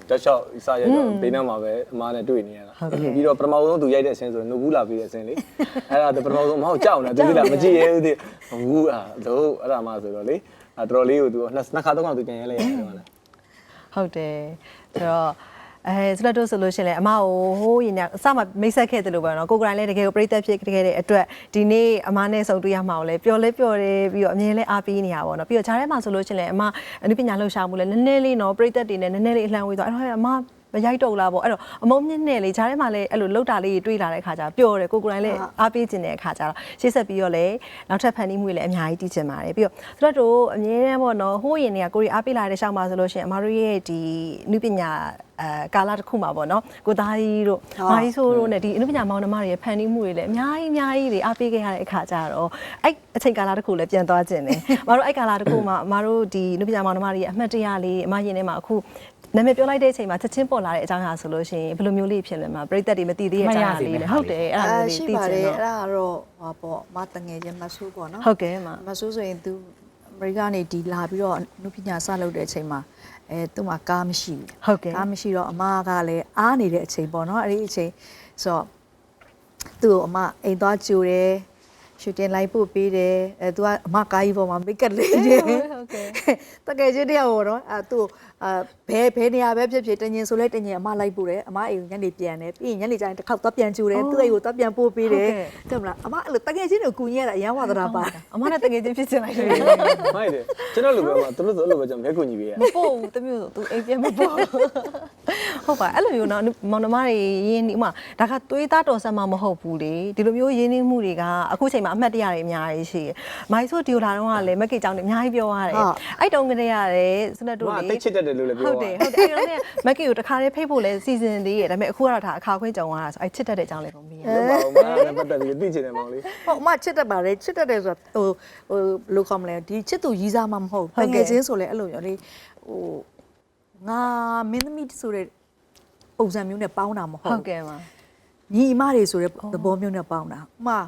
S3: တောက်လျှောက်စားရတော့ဘေးနားမှာပဲအမားနဲ့တွေ့နေရတာပြီးတော့ပထမဆုံးသူရိုက်တဲ့အဆင်းဆိုရင်နှုတ်ဘူးလာပြီးတဲ့အဆင်းလေအဲ့ဒါပထမဆုံးမဟုတ်ကြောက်နေသူကမကြည့်ရဘူးသူဘူးတော့အဲ့ဒါမှဆိုတော့လေတော်တော်လေးကိုသူနှစ်ခါသုံးခါသူပြန်ရဲလိုက်ရတယ်ဟုတ်လား
S1: ဟုတ်တယ်ဆိုတော့ဆိုတော့ဆိုလို့ရှိရင်လည်းအမကိုဟိုးရင်အစမှမိတ်ဆက်ခဲ့တယ်လို့ပဲเนาะကိုကရိုင်းလည်းတကယ်ကိုပြိသက်ဖြစ်ခဲ့တဲ့အတွက်ဒီနေ့အမနဲ့ဆုံတွေ့ရမှာကိုလည်းပျော်တယ်ပြီးတော့အမြင်လည်းအားပေးနေရပါတော့ပြီးတော့ဂျားထဲမှာဆိုလို့ရှိရင်လည်းအမအနုပညာလှူရှာမှုလည်းနည်းနည်းလေးเนาะပြိသက်တွေနဲ့နည်းနည်းလေးအလှမ်းဝေးသွားအဲ့တော့အမမရိုက်တော့လားပေါ့အဲ့တော့အမုံမြင့်နဲ့လေဂျားထဲမှာလည်းအဲ့လိုလှုပ်တာလေးတွေးလာတဲ့ခါကျပျော်တယ်ကိုကရိုင်းလည်းအားပေးခြင်းတဲ့အခါကျတော့ရှေ့ဆက်ပြီးတော့လည်းနောက်ထပ်ဖန်တီးမှုတွေလည်းအများကြီးတည်ချင်ပါတယ်ပြီးတော့ဆိုတော့အမြင်နဲ့ပေါ့เนาะဟိုးရင်တွေကကိုရီအားပေးလာတဲ့ရှောက်မှာဆိုလို့ရှိရင်အမတို့ရဲ့ဒီအနုပညာကာလာတစ်ခုမှာပေါ့နော်ကိုသားကြီးတို့မာကြီးဆိုးတို့နဲ့ဒီအနုပညာမောင်နှမတွေရဲ့ဖန်တီးမှုတွေလည်းအများကြီးတွေအားပေးခဲ့ရတဲ့အခါကျတော့အဲ့အချိန်ကာလာတစ်ခုလည်းပြန်သွားခြင်းတယ်အမတို့အဲ့ကာလာတစ်ခုမှာအမတို့ဒီအနုပညာမောင်နှမတွေရဲ့အမှတ်တရလေးအမရင်ထဲမှာအခုနာမည်ပြောလိုက်တဲ့အချိန်မှာချက်ချင်းပေါ်လာတဲ့အကြောင်းအရာဆိုလို့ရှိရင်ဘယ်လိုမျိုးလေးဖြစ်လဲမှာပရိသတ်တွေမသိသေးတဲ့အကြောင်းအရာလေးလေဟုတ်တယ်အဲ့ဒါမျိုးလေးသိချင်တော့
S2: အဲ့ဒါကတော့ဟာပေါ့မတငယ်ချင်းမဆူးပေါ့နော်
S1: ဟုတ်ကဲ့
S2: မဆူးဆိုရင် तू အမေရိကနေဒီလာပြီးတော့အနုပညာစလုပ်တဲ့အချိန်မှာသူ့မှာကားမရှိဘူး
S1: ဟုတ်ကဲ့
S2: ကားမရှိတော့အမကလည်းအားနေတဲ့အချိန်ပေါ့နော်အဲ့ဒီအချိန်ဆိုတော့သူ့ကိုအမအိမ်သွားကြိုတယ်ရှူတင်လိုက်ပို့ပေးတယ်သူကအမကားကြီးပေါ်မှာမိတ်ကပ်လေးတယ်
S1: ဟုတ်ကဲ့
S2: တကယ်ချင်းတယောက်ပေါ့နော်သူဘယ်နေရာပဲဖြစ်တငင်ဆိုလဲတငင်အမလိုက်ပို့တယ်အမအိမ်ညနေပြန်တယ်ပြီးရင်ညနေကျရင်တစ်ခေါက်သွားပြန်ကြိုတယ်သူ့အိမ်ကိုသွားပြန်ပို့ပေးတယ်တဲ့မလားအမအဲ့လိုတကယ်ချင်းကိုကူညီရတာအရန်ဝါသနာပါ
S1: အမနဲ့တကယ်ချင်းဖြစ်ချင်လိုက်တယ်
S3: မိုက်တယ်ကျွန်တော်လိုပဲမှာသူတို့လိုပဲကျွန်တော်လက်ကူညီပေးရ
S1: မပို့ဘူးတမျိုးဆိုသူအိမ်ပြန်မပို့ဟုတ်ပါအဲ့လိုမျိုးနော်မောင်နှမတွေရင်းနှီးဥမာဒါကသွေးသားတော်ဆက်မှမဟုတ်ဘူးလေဒီလိုမျိုးရင်းနှီးမှုတွေကအခုချိန်မှာအမှတ်တရတွေအများကြီးရှိတယ်မိုင်းဆိုဒီလာတော့ကလည်းမက်ကေကြောင့်အများကြီးပြောရတယ်အဲ့တုန်းကတည်းကလည်းစနက်တို့
S3: လေတိတ်ချစ်တတ်တယ်လို့လည်းပြော
S1: ဟုတ်တယ်အဲ့တုန်းကမက်ကီကိုတခါလေးဖိတ်ဖို့လဲစီစဉ်သေးတယ်ဒါပေမဲ့အခုကတော့ဒါအခါခွင့်ကြုံရတာဆိုအဲ့ချစ်တတ်တဲ့အကြောင်းလေးကိုမေးရတယ်
S3: ဟုတ်ပါဘူးမပတ်သက်ပြီးသိချင်တယ်မောင်လေး
S2: ဟုတ်အမချစ်တတ်ပါတယ်ချစ်တတ်တယ်ဆိုတော့ဟိုလိုခေါ်မလဲဒီချစ်သူရီးစားမှမဟုတ်တကယ်ချင်းဆိုလဲအဲ့လိုမျိုးလေဟိုငါမင်းသမီးဆိုတဲ့ပုံစံမျိုးနဲ့ပေါင်းတာမဟုတ်
S1: ဟုတ်ကဲ့ပါ
S2: ညီအမတွေဆိုတဲ့သဘောမျိုးနဲ့ပေါင်းတာဥမာ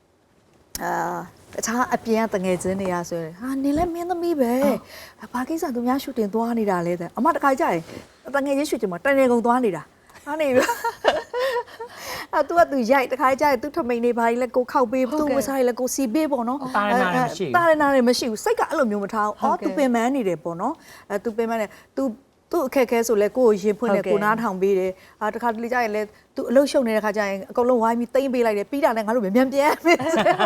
S2: အခြားအပြင်ကတငယ်ချင်းတွေကဆိုရင်ဟာနင်လည်းမင်းသမီးပဲဘာကိစ္စသူများရှူတင်သွားနေတာလဲတဲ့အမတခါကြရင်တငယ်ချင်းရှူတင်မှာတန်နေကုန်သွားနေတာဟာနေပြီသူကသူရိုက်တခါကြရင်သူထမိန်နေဘာကြီးလဲကိုခောက်ပေးသူဝစားရလဲကိုစီပေးပေါ့နော်
S4: တာရနာမရှိဘူး
S2: တာရနာတွေမရှိဘူးစိတ်ကအဲ့လိုမျိုးမထားဘူးအော်သူပင်ပန်းနေတယ်ပေါ့နော်သူပင်ပန်းနေသူအခက်ခဲဆိုလဲကိုကိုရင်ဖွင့်တယ်ကိုနားထောင်ပေးတယ်တခါတလေကြရင်လဲသူအလုပ်ရှုပ်နေတဲ့ခါကျရင်အကုန်လုံးဝိုင်းပြီးတိမ့်ပေးလိုက်တယ်ပြီးတာနဲ့ငါတို့မြန်ပြန်မယ်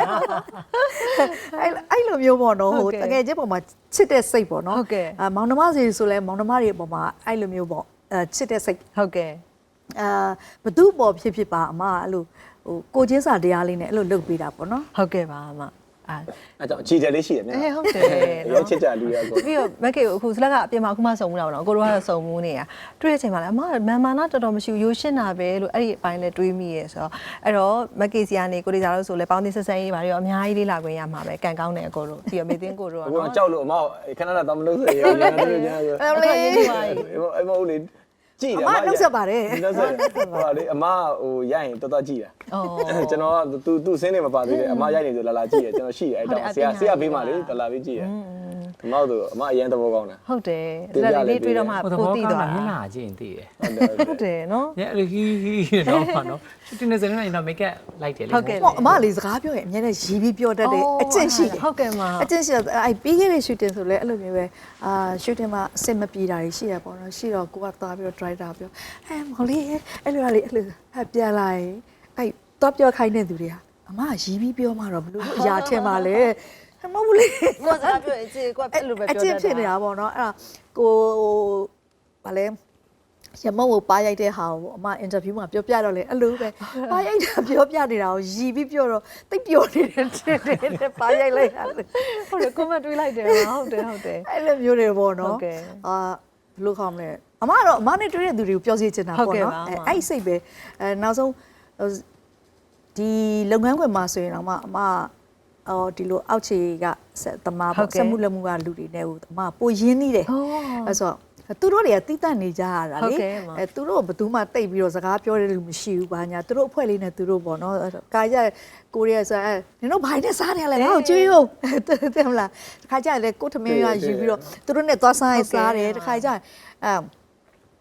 S2: အဲ့လိုမျိုးပေါ့နော်ဟိုတကယ်ချင်းပေါ်မှာချစ်တဲ့စိတ်ပေါ့နော်မောင်နှမစီဆိုလဲမောင်နှမတွေပေါ်မှာအဲ့လိုမျိုးပေါ့ချစ်တဲ့စိတ်
S1: ဟုတ်ကဲ့
S2: ဘသူ့ပေါ်ဖြစ်ပါအမအဲ့လိုဟိုကိုချင်းစာတရားလေးနဲ့အဲ့လိုလုပ်ပေးတာပေါ့နော်
S1: ဟုတ်ကဲ့ပါအမ
S3: အဲ့ကြောင့်အခြေတယ်လေးရှိတယ်မြန်
S1: ဟုတ်တယ်
S3: နော်ချစ်ကြလူရကို
S1: ပြီးတော့မက်ကေကိုအခုစလက်ကအပြင်မှာအခုမှစုံမှုတာပေါ့နော်ကိုတို့ကတော့စုံမှုနေတာတွေ့တဲ့အချိန်မှာလည်းအမမန်မာနာတော်တော်မရှိဘူးရိုးရှင်းတာပဲလို့အဲ့ဒီအပိုင်းနဲ့တွေးမိရဲဆိုတော့အဲ့တော့မက်ကေစီကနေကိုရီစာလို့ဆိုလဲပေါင်းသင်းဆက်ဆန်းရေးပါရောအများကြီးလေးလာခွင့်ရမှာပဲကန်ကောင်းတယ်အကိုတို့ပြီးတော့မေသိန်းကိုတို့
S3: ကတော့ကြောက်လို့အမခဏခဏတော့မလို့ဆိုရရောညာတို့ညာဆို
S2: အဲ့လို
S3: အဲ့မဟုတ်လေကြည့်တယ်
S2: အမနှုတ်ဆက်ပါတယ်
S3: နှုတ်ဆက်ဟိုလေအမဟိုရိုက်ရင်တော်တော်ကြည့်တာကျွန်တော်ကသူစင်းနေမပါသေးတယ်အမရိုက်နေဆိုလာကြည့်တယ်ကျွန်တော်ရှိတယ်အဲ့တော့ဆရာဘေးမှာလေလာပြီးကြည့်တယ်ဒီမောက်ဆိုအမအရင်သဘောကောင်းတာ
S1: ဟုတ်တယ်ဒါလေးတွေးတော့မှပိုသိသွား
S4: မျက်နှာကြည့်ရင်သိတယ်
S1: ဟုတ်တယ်နော်
S4: ညအဲ့ဟီတော့ပါနော်တင်နေစနေတော့မိတ်ကပ်လိုက်တယ်လေ
S2: ဟုတ်ကဲ့အမလေးစကားပြောရင်အများနဲ့ရီးပြီးပြောတတ်တယ်အကျင့်ရှိတယ်
S1: ဟုတ်ကဲ့မှာ
S2: အကျင့်ရှိတယ်အဲ့ပြီးခဲ့တဲ့ရှူတင်ဆိုလဲအဲ့လိုမျိုးပဲရှူတင်မှာအဆင်မပြေတာတွေရှိရပေါ့နော်ရှိတော့ကိုကသွားပြီးတော့ driver ပြောမော်လေးအဲ့လိုလေအဲ့လိုပြန်လာရင်အဲ့တော့ပြောခိုင်းတဲ့သူတွေကအမရီးပြီးပြောမှတော့ဘလို့အရာထင်ပါလေမဟုတ်ဘူးလေ
S1: ကိုစကားပြောရင်ကြည့်ကိုအဲ့လိုပဲပြောတတ်တာ
S2: အကျင့်ဖြစ်နေတာပေါ့နော်အဲ့ဒါကိုဗာလဲရမုံကိုပါရိုက်တဲ့ဟာကိုအမအင်တာဗျူးမှာပြောပြတော့လေအဲ့လိုပဲပါရိုက်တာပြောပြနေတာကိုရီးပြီးပြောတော့တိတ်ပျော်နေတယ်တဲ့ပါရိုက်လိုက်တာ
S1: ဟုတ်တယ်ကွန်မန့်တွေးလိုက်တယ်ဟုတ်တယ်
S2: အဲ့လိုမျိုးတွေပေါ့နော်ဘယ်လိုခေါ်မလဲအမကတော့အမနဲ့တွေ့တဲ့သူတွေကိုပြောစီချင်တာပေါ့နော်အဲ့စိတ်ပဲနောက်ဆုံးဒီလုပ်ငန်းခွင်မှာဆိုရင်တော့အမဒီလိုအောက်ခြေကသမားပေါ့စက်မှုလက်မှုကလူတွေနဲ့ဟိုအမပိုရင်းနေတယ်အဲ့ဆိုသူတို့တွေကတိတက်နေကြရတာလေသူတို့ဘယ်သူမှတိတ်ပြီးတော့စကားပြောတဲ့လူမရှိဘူးဘာညာသူတို့အဖွဲ့လေးနဲ့သူတို့ပေါ့နော်ကာကြကိုရီးယားဆိုနင်တို့ဘိုင်းနဲ့စားတယ်လေငါ့ကိုကျွေးဦးတဲ့မလားတခါကြလေကိုထမင်းရယူပြီးတော့သူတို့နဲ့သွားစားရင်စားတယ်တခါကြ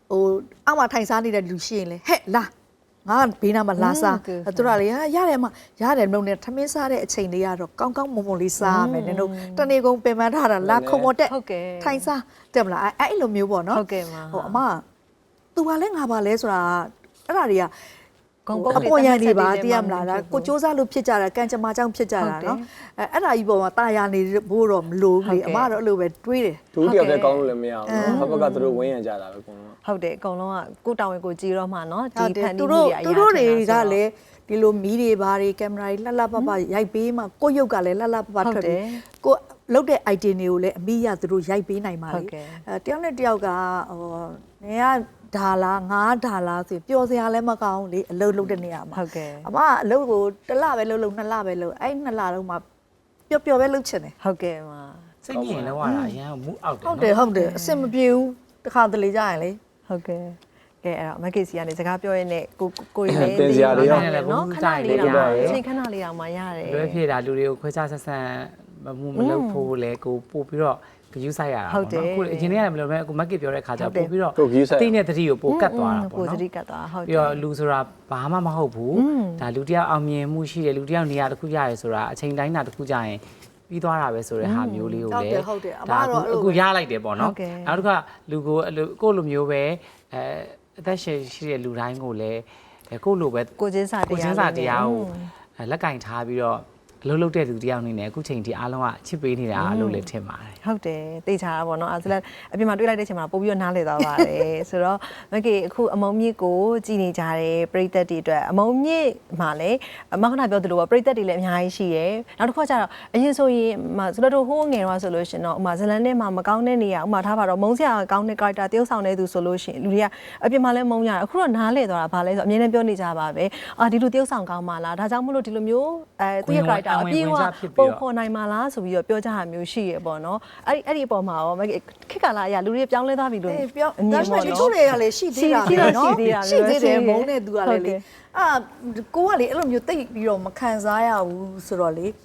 S2: ဟိုအောက်မှာထိုင်စားနေတဲ့လူရှိရင်လေဟဲ့လာငါဘေးနားမှာလာစားသူတို့လေရတယ်မရတယ်မလို့နဲ့ထမင်းစားတဲ့အချိန်လေးကတော့ကောင်းကောင်းမွန်မွန်လေးစားမယ်နင်တို့တနေ့ကုန်ပင်ပန်းထားတာလာခုံမတက်ထိုင်စားတက်မလားအဲ့လိုမျိုးပေါ့နော်ဟိုအမသူကလည်းငါပါလဲဆိုတာအဲ့ဒါတွေကအပေါ်ရန်နေပါသိရမလားကိုစူးစမ်းလို့ဖြစ်ကြတာကံကြမ္မာကြောင့်ဖြစ်ကြတာနော်အဲ့ဒါကြီးပေါ်မှာတာယာနေဖို့တော့မလိုဘူးလေအမတော့အဲ့လိုပဲတွေးတယ်
S3: ဒုတိယတဲ့ကောင်းလို့လည်းမရဘူးနော်ဘက်ကသူတို့ဝင်းရံကြတာပဲအကုန်လုံး
S1: ဟုတ်တယ်အကုန်လုံးကကိုတောင်းဝင်ကိုကြည်တော့မှနော်ဒီဖန်တီး
S2: သူ
S1: မှု
S2: တို့
S1: တွေအရာ
S2: သူတို့တွေကလည်းဒီလိုမီးတွေဘာတွေကင်မရာတွေလှလှပပရိုက်ပေးမှကိုရုပ်ကလည်းလှလှပပထွက်တယ်ကိုလုတ်တဲ့ item တွေကိုလည်းအမိရသူတို့ရိုက်ပေးနိုင်ပါလေတယောက်နဲ့တယောက်ကဟိုနေကဒါလားငါးဒါလားဆိုပျော်စရာလည်းမကောင်းလေအလုပ်လုပ်တဲ့နေရာမှာအမအလုပ်ကိုတစ်လပဲလုပ်လို့နှစ်လပဲလုပ်အဲ့နှစ်လလုံးမှာပျော်ပျော်ပဲလုပ်ချင်တယ်
S1: ဟုတ်ကဲ့ပါ
S4: စိတ်ညစ်လောက်ရတာအရန်မူအောက်တယ်
S2: ဟုတ်တယ်ဟုတ်တယ်အဆင်မပြေဘူးတစ်ခါတလေကြရင်လေ
S1: ဟုတ်ကဲ့ကဲအဲ့တော့မက်ကစီကနေစကားပြောရင်းနဲ့ကိုကြီးလေး
S3: တင်စရာတွေရော
S1: နော်ခဏလေးတော့အချိန်ခဏလေးတော့မှရတယ်
S4: လွယ်ဖြစ်တာလူတွေကိုခွဲခြားဆက်ဆံမလုပ်ဖို့လေကိုပို့ပြီးတော့ဂယူးဆိုင်ရတာပေါ့နော်အခုအရင်ကလည်းမလုပ်ပဲအခုမက်ကပြောတဲ့ခါကျပို့ပြီးတော့တိနဲ့တတိကိုပို့ကတ်သွားတာပေါ့နော်
S1: ပို့တတိကတ်သွားဟုတ်တယ်
S4: ပြီးတော့လူဆိုတာဘာမှမဟုတ်ဘူးဒါလူတယောက်အောင်မြင်မှုရှိတယ်လူတယောက်နေရာတစ်ခုရတယ်ဆိုတာအချိန်တိုင်းတာတစ်ခုကြရင်ပြီးသွားတာပဲဆိုတဲ့ဟာမျိုးလေးကိုလေအခုရလိုက်တယ်ပေါ့နော်နောက်တစ်ခါလူကိုလိုမျိုးပဲအသက်ရှင်ရှိတဲ့လူတိုင်းကိုလည်းကိုလိုပဲ
S1: ကိုချင်းစာတရား
S4: ကိုလက်ကင်ထားပြီးတော့အလုပ်လုပ်တဲ့လူတယောက်နေနဲ့အခုချိန်ဒီအားလုံးကချစ်ပေးနေတာလို့လည်းထင်ပါတယ်
S1: ဟုတ်တယ်သိချာတာပေါ့နော်အဲဆိုလည်းအပြင်မှာတွေ့လိုက်တဲ့အချိန်မှာပို့ပြီးတော့နားလည်သွားပါတယ်ဆိုတော့မကေအခုအမုံမြင့်ကိုကြည်နေကြတယ်ပရိသတ်တွေအတွက်အမုံမြင့်မှာလည်းမခဏပြောသလိုပေါ့ပရိသတ်တွေလည်းအများကြီးရှိရယ်နောက်တစ်ခါကျတော့အရင်ဆိုရင်ဆိုတော့ဟိုးငယ်တော့ဆိုလို့ရှင်တော့ဥမာဇလန်ထဲမှာမကောင်းတဲ့နေရာဥမာထားပါတော့မုံစရာကောင်းတဲ့ character တယောက်ဆောင်တဲ့သူဆိုလို့ရှင်လူတွေကအပြင်မှာလည်းမုံရတယ်အခုတော့နားလည်သွားတာဗာလဲဆိုအမြဲတမ်းပြောနေကြပါပဲအာဒီလိုတယောက်ဆောင်ကောင်းပါလားဒါကြောင့်မလို့ဒီလိုမျိုးသူ့ရဲ့ character အပြည့်အဝပုံဖော်နိုင်မှာလားဆိုပြီးတော့ပြောကြတာမျိုးရှိရပေါ့နော်အဲ့ဒီအပေါ်မှာရောခေတ်ကာလအရာလူတွေပြောင်းလဲသွားပြီလို့
S2: ပြောဒါပေမဲ့တချို့တွေကလည်းရှိသေးတာနော်ရှိသေးတယ်မုန်းတဲ့သူကလည်းလေအာကိုကလေအဲ့လိုမျိုးတိတ်ပြီးတော့မခံစားရဘူးဆိုတော့လေ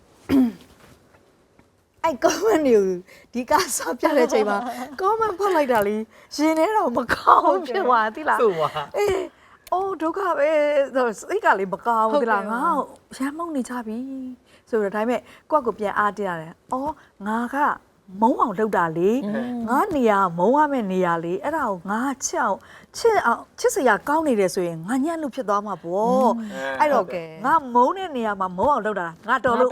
S2: အဲ့ comment တွေကိုဒီကစားပြတဲ့အချိန်မှာ comment ဖတ်လိုက်တာလေရင်ထဲတော့မကောင်းဖြစ်သွားသီလား
S4: ဆိုပါ
S2: အေးအိုးဒုက္ခပဲစိတ်ကလေမကောင်းဘူးသီလားငါရမ်းမုန်းနေကြပြီဆိုတော့ဒါပေမဲ့ကိုယ့်ကိုပြန်အားတရတယ်။အော်ငါကမုံအောင်လုပ်တာလေ။ငါနေရာမုံရမယ့်နေရာလေအဲ့ဒါကိုငါချစ်စရာကောင်းနေတယ်ဆိုရင်ငါညံ့လို့ဖြစ်သွားမှာပေါ့။အဲ့တော့ငါမုံတဲ့နေရာမှာမုံအောင်လုပ်တာငါတော်လို့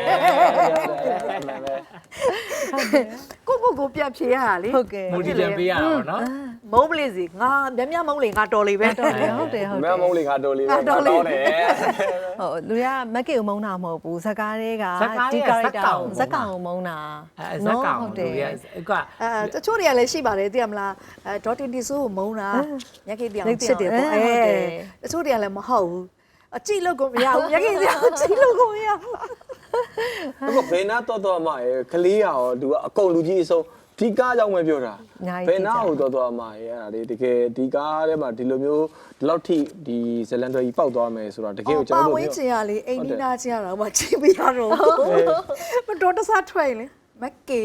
S2: ကိုပြန်ဖြေရတာလေ
S1: ဟုတ်ကဲ့
S4: မူတီပြန်ပေးရတာပေါ့နော်
S2: မုံပလေးစီငါမြမုံလေငါတော်လေပဲ
S1: ဟုတ်တယ်
S3: မမုံလေးငါတော်လေးပဲတော်တယ်
S1: ဟုတ်လူတွေကမက်ကီကိုမုန်းတာမဟုတ်ဘူးဇကားတွေကဒီ character ဇက်ကောင်ကိုမုန်းတာ
S4: ဇက်ကောင်လူတွေကက
S2: တချို့တွေကလည်းရှိပါတယ်သိရမလားဒေါ်တင်တီဆိုးကိုမုန်းတာညက်ခိတရားချစ်တယ်ပေါ့တချို့တွေကလည်းမဟုတ်ဘူးအကြည့်လို့ကိုမရဘူးညက်ခိတရားကြည့်လို့ကိုမရဘူး
S3: အခုဘယ်နာတော့အမရေကလေးရောသူကအကုန်လူကြီးအစုံဒီကားကြောင့်ပဲပြောတာဘယ်နာကိုတော့အမရေအဲ့ဒါလေတကယ်ဒီကားထဲမှာဒီလိုမျိုးဒီလောက်ထိဒီဇလန်တွေကြီးပောက်သွားမယ်ဆိုတာတကယ်ကိုကျွန်တော်တို့
S2: ဝင်းချင်ရလေအိမ်နီးနားချင်ရတော့မချိပြရတော့မတော်တဆထွက်ရင်လေမက်ကေ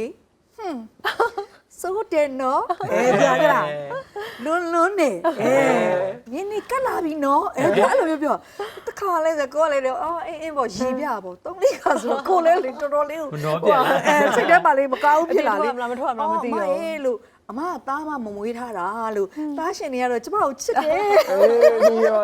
S2: စိုးတယ်နော်ကြာကြလားလွန်းနေနင်းနေကလာပြီနော်အဲ့လိုမျိုးပြောတခါလဲဆိုကိုကလည်းအော်အင်းပေါ့ရီပြပေါ့သုံးလေးခါဆိုကိုလည်းလေတော်တော်လေးကိုစိတ်ထဲမှာလေးမကောင်းဖြစ်လာလေ
S1: မထွက်မလားမသိဘူး
S2: အေးလို့အမကသားမမမွေးထားတာလို့သားရှင်တွေကတော့ကျမကိုချစ်တယ်
S3: ဒီရော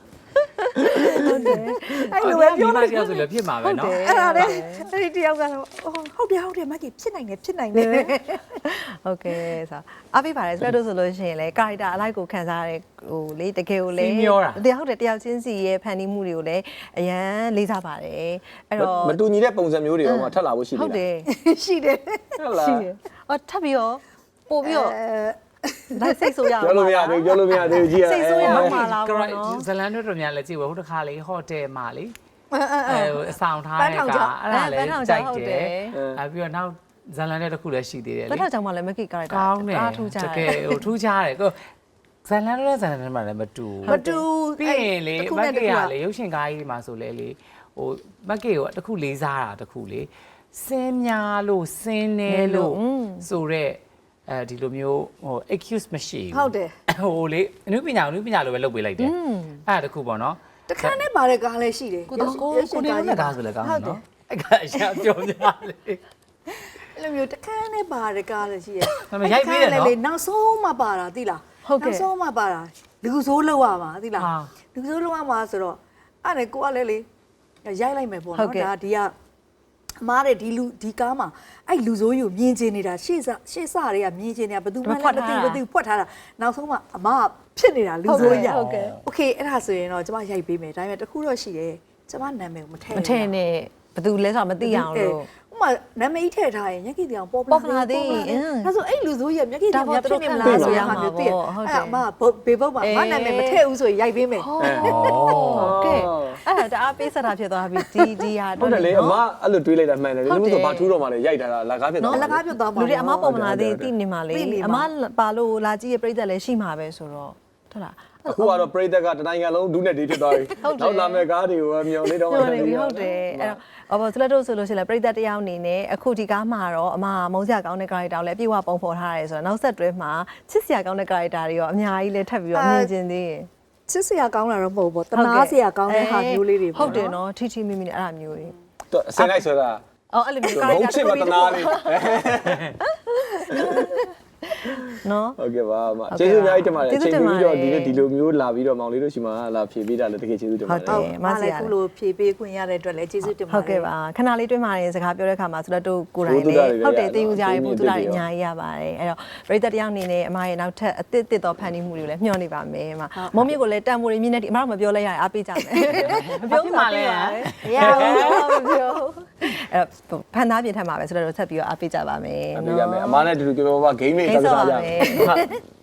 S2: အဲ့လိုပဲပြောလိုက်
S4: တယောက်ဆိုလည်းဖြစ်မှာပဲနော်
S2: အဲ့ဒါလေအဲ့ဒီတယောက်ကတော့ဟုတ်တယ်မကြီးဖြစ်နိုင်တယ်
S1: ဟုတ်ကဲ့ဆိုအားပေးပါတယ်ဆိုတော့ဆိုလို့ရှိရင်လေ character အလိုက်ကိုခံစားရတဲ့ဟိုလေတကယ်ကိုလေဟုတ်တယ်တယောက်ချင်းစီရဲ့ဖန်တီးမှုတွေကိုလည်းအရန်လေးစားပါတယ်အဲ့တော့
S3: မတူညီတဲ့ပုံစံမျိုးတွေရောမှထပ်လာဖို့ရှိတယ်
S1: ဟုတ်တယ်
S2: ရှိတယ်
S3: ဟုတ်လား
S1: အော်ထပ်ပြီးတော့ပို့ပြီးတော့ဒါစိတ်ဆိုးရအောင်
S3: ပြောလို့မရသေးဘူးကြည့်ရ
S1: စိတ်ဆိုးရအောင်ပါလား
S4: က
S1: ဘော
S4: ရိုက်
S1: နော်
S4: ဇလန်တို့တို့များလည်းကြည့်ဝဟိုတစ်ခါလေးဟိုတယ်မှာလေအဆောင်ထားတဲ့ကအဲ့ဒါလည်းကြိုက်တယ်အဲပြီးတော့နောက်ဇလန်တဲ့တစ်ခုလည်းရှိသေးတယ်လေ
S1: ဘယ်တော့ကြောင့်မှလည်းမကီ character
S4: ကောင်းတယ်
S1: အားထူးကြတယ်
S4: တကယ်ဟိုထူးခြားတယ်ကိုဇလန်တို့ဇလန်တွေမှာလည်းမတူ ပြီးရင်လေမက်ကေကလေရုပ်ရှင်ကားကြီးမှာဆိုလဲလေဟိုမက်ကေကိုတစ်ခုလေးစားတာတစ်ခုလေစင်းများလို့စင်းနေလို့ဆိုတော့ဒီလိုမျိုးဟို excuse မရှိဘူး
S2: ဟုတ်တယ်
S4: ဟိုလေအနုပညာလိုပဲလုပ်ပေးလိုက်တယ်အဲ့ဒါတခုပေါ့နော်
S2: တခါနဲ့ပါတဲ့ကားလည်းရှိတယ်
S4: ကိုနေနဲ့ကားဆိုလဲကောင်းနော်အဲ့ကအရှာပြောပြလေ
S2: အဲ့လိုမျိုးတခါနဲ့ပါတဲ့ကားလည်းရှိတယ်
S4: ရိုက်ပေးတယ်နော်
S2: လေနောက်ဆုံးမှပါတာသိလားနောက်ဆုံးမှပါတာလူစိုးလောက်ရမှာသိလားလူစိုးလောက်ရမှာဆိုတော့အဲ့ဒါကိုကလည်းလေရိုက်လိုက်မယ်ပေါ့နော်ဒါဒီကအမားတဲ့ဒီကားမှာအဲ့လူစိုးယူမြင်ကျင်နေတာရှေ့စတွေကမြင်ကျင်နေတာဘယ်သူမှလည်းမသိဖွက်ထားတာနောက်ဆုံးမှအမကဖြစ်နေတာလူစိုးရโอเคအဲ့ဒါဆိုရင်တော့ကျမရိုက်ပေးမယ်ဒါပေမဲ့တခုတော့ရှိတယ်ကျမနာမည်ကိုမထည့်နဲ့
S1: ဘယ်သူလဲဆိုတော့မသိအောင်လို့
S2: ဥမာနာမည်ထည့်ထားရင်မျက်ကြည့်တောင်ပေါ်ပ
S1: ပေါ်လာသေးရင်
S2: ဒါဆိုအဲ့လူစိုးရမျက်ကြည့်တောင်ဖြစ်နေမလားဆိုရမှာမျိုးသိရအဲ့အမဘေဘုတ်မှာငါနာမည်မထည့်ဘူးဆိုရင်ရိုက်ပေးမယ်
S1: ကဲအဲ့ဒါတအားပေးဆက်တာဖြစ်သွားပြီဒီဟာ
S3: ဟုတ်တယ်လေအမအဲ့လိုတွေးလိုက်တာမှန်တယ်လေလို့ဆိုဘာထူးတော့မှလည်းရိုက်တာအလကားဖြစ်သွား
S2: အလကားပြုတ်သွားမှာ
S1: လူတွေအမပေါ်မလာသေးသိနေမှာလေအမပါလို့လာကြည့်ရပြိတ္တလည်းရှိမှာပဲဆိုတော့ဟုတ်လား
S3: အခုကတော့ပရိသတ်ကတနိုင်ငံလုံးဒုနဲ့ဒီဖြစ်သွားပြီနောက်လာမဲ့ကားတွေကိုမျောလေးတော့
S1: ဟုတ်တယ်ဟုတ်တယ်အဲ့တော့ဘာလို့ဆိုလို့ရှိရင်ပြိတ္တတယောက်အနေနဲ့အခုဒီကားမှာတော့အမမုန်းစရာကောင်းတဲ့ character ကိုလည်းအပြည့်အဝပုံဖော်ထားရတယ်ဆိုတော့နောက်ဆက်တွဲမှာချစ်စရာကောင်းတဲ့ character တွေရောအများကြီးလည်းထပ်ပြီးတော့မြင်ကျင်သေးရင်
S2: ချစ်စရာကောင်းတာတော့မဟုတ်ဘူးတနာစရာကောင်းတဲ့ဟာမျိုးလေးတွေ
S1: ဟုတ်တယ်နော်ထီထီမိမိနဲ့အဲ့လိုမျိုးတွေ
S3: ဆင်လိုက်ဆိုတာ
S1: အော်အဲ့လိုမျိုး
S3: ဘုံချစ်မတနာလေး
S1: နော်
S3: ဟုတ်ကဲ့ပါအမကျေးဇူးအများကြီးတင်ပါတယ်အချိန်ပြီးတော့ဒီလိုမျိုးလာပြီးတော့မောင်လေးတို့ရှိမှလာဖြေပေးတာလည်းတကယ်ကျေးဇူးတင်ပါတယ်
S2: ဟုတ်မလည်းခုလိုဖြေပေးခွင့်ရတဲ့အတွက်လည်းကျေးဇူးတင်ပါတယ်
S1: ဟုတ်ကဲ့ပါခဏလေးတွင်းမာရင်စကားပြောတဲ့အခါမှာဆိုတော့တို့ကိုယ်တိုင်လည်းဟုတ်တယ်သိယူကြရဖို့သူတို့အများကြီးရပါတယ်အဲ့တော့ပရိသတ်တယောက်အနေနဲ့အမရဲ့နောက်ထပ်အသစ်သောဖန်တီးမှုတွေကိုလည်းမျှော်နေပါမယ်အမမုံမြင့်ကိုလည်းတန်ဖိုးရင်းမြင့်နေဒီအမတော့မပြောလဲရတယ်အားပေးကြမယ်မပြောမှလည်းမရဘူးမပြောအဲ့ဖန်သားပြင်ထက်မှာပဲဆိုတော့ဆက်ပြီးတော့အားပေးကြပါမယ်
S3: အားပေးကြမယ်အမနဲ့တူတူပြောပါ game လေးတောက်စားကြမယ်